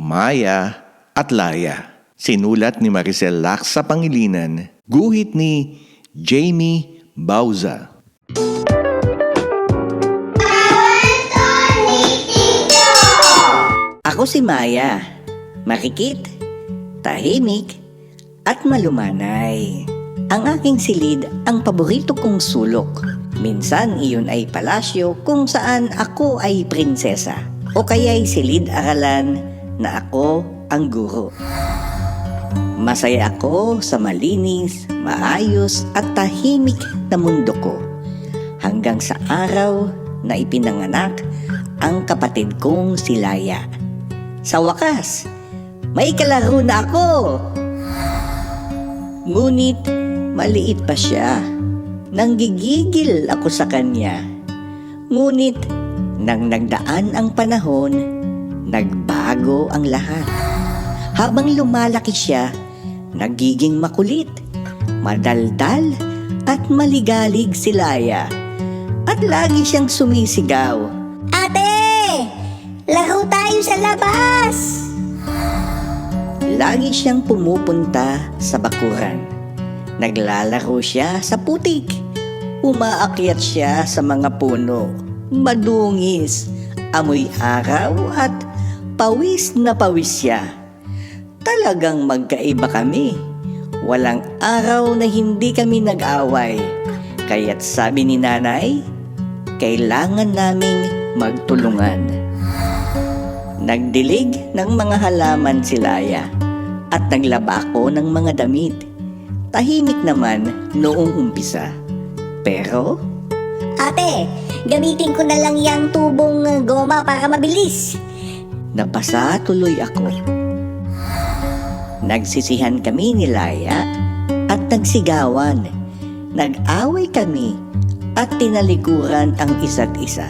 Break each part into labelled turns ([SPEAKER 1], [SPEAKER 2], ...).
[SPEAKER 1] Maya at Laya. Sinulat ni Maricel Lacsa Pangilinan. Guhit ni Jamie Bauza.
[SPEAKER 2] Ako si Maya, makikit, tahimik, at malumanay. Ang aking silid ang paborito kong sulok. Minsan iyon ay palasyo kung saan ako ay prinsesa. O kaya'y silid-aralan na ako ang guro. Masaya ako sa malinis, maayos at tahimik na mundo ko. Hanggang sa araw na ipinanganak ang kapatid kong si Laya. Sa wakas, may kalaro na ako! Ngunit maliit pa siya. Nanggigigil ako sa kanya. Ngunit nang nagdaan ang panahon, nagbago ang lahat. Habang lumalaki siya, nagiging makulit, madaldal at maligalig si Laya. At lagi siyang sumisigaw, "Ate! Laro tayo sa labas!" Lagi siyang pumupunta sa bakuran. Naglalaro siya sa putik. Umaakyat siya sa mga puno. Madungis, amoy araw at pawis na pawis siya. Talagang magkaiba kami. Walang araw na hindi kami nag-away. Kaya't sabi ni nanay, kailangan naming magtulungan. Nagdilig ng mga halaman si Laya at naglaba ako ng mga damit. Tahimik naman noong umpisa. Pero,
[SPEAKER 3] Ate, gamitin ko na lang yung tubong goma para mabilis.
[SPEAKER 2] napasa tuloy ako. Nagsisihan kami ni Laya at nagsigawan. Nag-away kami at tinalikuran ang isa't isa.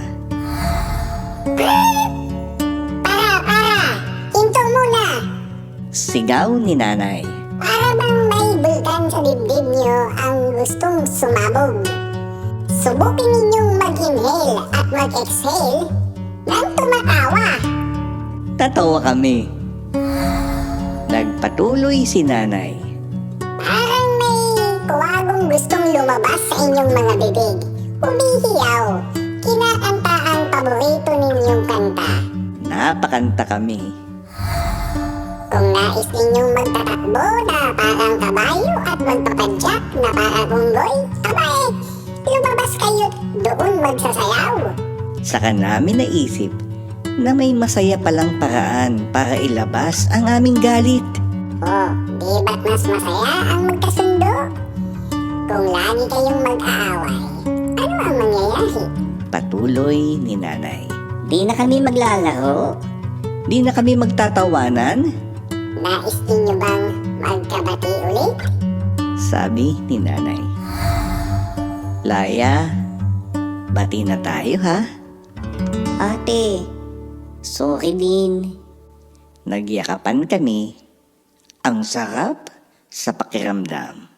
[SPEAKER 3] Hinto muna.
[SPEAKER 2] Sigaw ni nanay.
[SPEAKER 3] Para bang may bulkan sa dibdib niyo ang gustong sumabog. Subukin ninyong mag-inhale at mag-exhale nang tumatawa.
[SPEAKER 2] Tatawa kami. Nagpatuloy si nanay.
[SPEAKER 3] Parang may kuwagong gustong lumabas sa inyong mga bibig. Umihiyaw. Kinakanta ang paborito ninyong kanta.
[SPEAKER 2] Napakanta kami.
[SPEAKER 3] Kung nais ninyong magtatakbo na parang kabayo at magpapadyak na parang unggoy, abay, lumabas kayo doon magsasayaw.
[SPEAKER 2] Saka namin naisip na may masaya palang paraan para ilabas ang aming galit.
[SPEAKER 3] Oh, di ba't mas masaya ang magkasundo? Kung lagi kayong mag-aaway, ano ang mangyayari?
[SPEAKER 2] Patuloy ni nanay.
[SPEAKER 3] Di na kami maglalaro?
[SPEAKER 2] Di na kami magtatawanan?
[SPEAKER 3] Nais ninyo bang magkabati ulit?
[SPEAKER 2] Sabi ni nanay. Laya, bati na tayo ha?
[SPEAKER 3] Ate, sorry din.
[SPEAKER 2] Nagyakapan kami. Ang sarap sa pakiramdam.